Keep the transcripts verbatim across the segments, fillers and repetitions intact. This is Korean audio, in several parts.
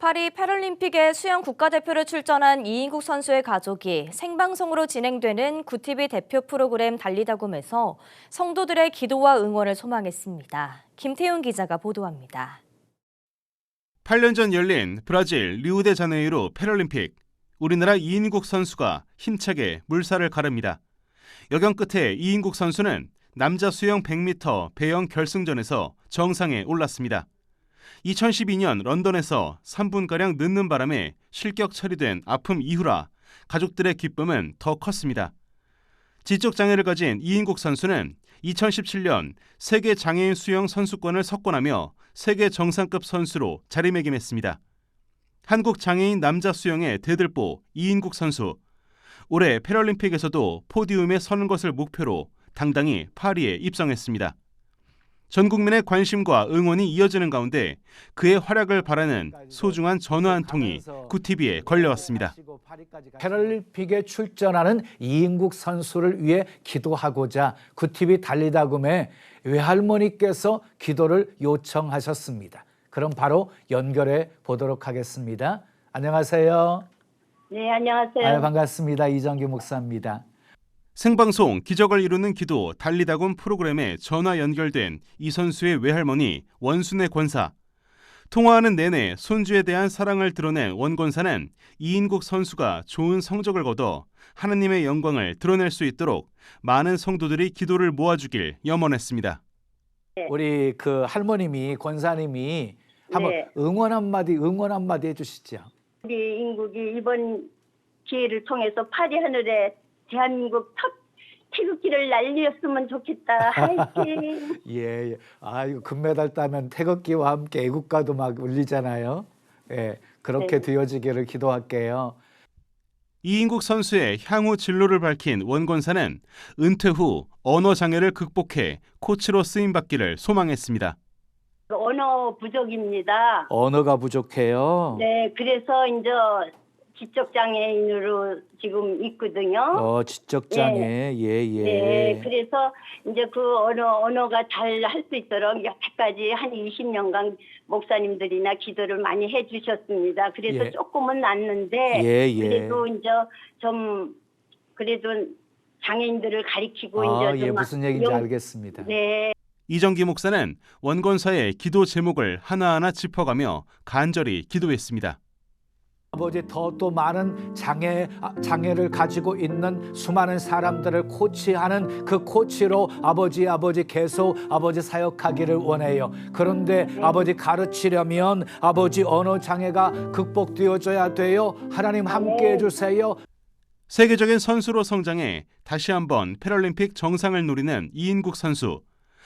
파리 패럴림픽에 수영 국가대표를 출전한 이인국 선수의 가족이 생방송으로 진행되는 구티비 대표 프로그램 달리다굼에서 성도들의 기도와 응원을 소망했습니다. 김태훈 기자가 보도합니다. 팔 년 전 열린 브라질 리우데자네이루 패럴림픽. 우리나라 이인국 선수가 힘차게 물살을 가릅니다. 여경 끝에 이인국 선수는 남자 수영 백 미터 배영 결승전에서 정상에 올랐습니다. 이천십이 년 런던에서 삼 분가량 늦는 바람에 실격 처리된 아픔 이후라 가족들의 기쁨은 더 컸습니다. 지적 장애를 가진 이인국 선수는 이천십칠 년 세계 장애인 수영 선수권을 석권하며 세계 정상급 선수로 자리매김했습니다. 한국 장애인 남자 수영의 대들보 이인국 선수. 올해 패럴림픽에서도 포디움에 서는 것을 목표로 당당히 파리에 입성했습니다. 전 국민의 관심과 응원이 이어지는 가운데 그의 활약을 바라는 소중한 전화 한 통이 구티비에 걸려왔습니다. 패럴림픽에 출전하는 이인국 선수를 위해 기도하고자 구티비 달리다굼에 외할머니께서 기도를 요청하셨습니다. 그럼 바로 연결해 보도록 하겠습니다. 안녕하세요. 네, 안녕하세요. 아유, 반갑습니다. 이정규 목사입니다. 생방송 기적을 이루는 기도 달리다굼 프로그램에 전화 연결된 이 선수의 외할머니 원순애 권사. 통화하는 내내 손주에 대한 사랑을 드러낸 원 권사는 이인국 선수가 좋은 성적을 거둬 하나님의 영광을 드러낼 수 있도록 많은 성도들이 기도를 모아주길 염원했습니다. 네. 우리 그 할머님이 권사님이 한번 네. 응원 한마디 응원 한마디 해주시죠. 우리 인국이 이번 기회를 통해서 파리 하늘에 대한민국 첫 태극기를 날렸으면 좋겠다. 화이팅. 예, 예. 아, 이거 금메달 따면 태극기와 함께 애국가도 막 울리잖아요. 예, 그렇게 네. 되어지기를 기도할게요. 이인국 선수의 향후 진로를 밝힌 원 권사는 은퇴 후 언어 장애를 극복해 코치로 쓰임받기를 소망했습니다. 언어 부족입니다. 언어가 부족해요. 네, 그래서 이제 지적 장애인으로 지금 있거든요. 어, 지적 장애. 예, 예. 네, 그래서 이제 그 언어 언어가 잘 할 수 있도록 여태까지 한 이십 년간 목사님들이나 기도를 많이 해주셨습니다. 그래서 예. 조금은 낫는데 예, 예. 그래도 이제 좀 그래도 장애인들을 가리키고 아, 이제 예, 좀 무슨 얘기인지 용- 알겠습니다. 네. 이정기 목사는 원 권사의 기도 제목을 하나하나 짚어가며 간절히 기도했습니다. 아버지 더 또 많은 장애 아, 장애를 가지고 있는 수많은 사람들을 코치하는 그 코치로 아버지 아버지 계속 아버지 사역하기를 원해요. 그런데 네. 아버지 가르치려면 아버지 언어 장애가 극복되어져야 돼요. 하나님 함께 해주세요. 세계적인 선수로 성장해 다시 한번 패럴림픽 정상을 노리는 이인국 선수.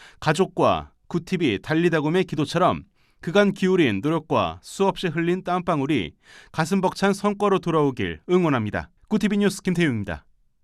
가족과 구티비 달리다굼의 기도처럼 그간 기울인 노력과 수없이 흘린 땀방울이 가슴 벅찬 성과로 돌아오길 응원합니다. 구티비 뉴스 김태용입니다.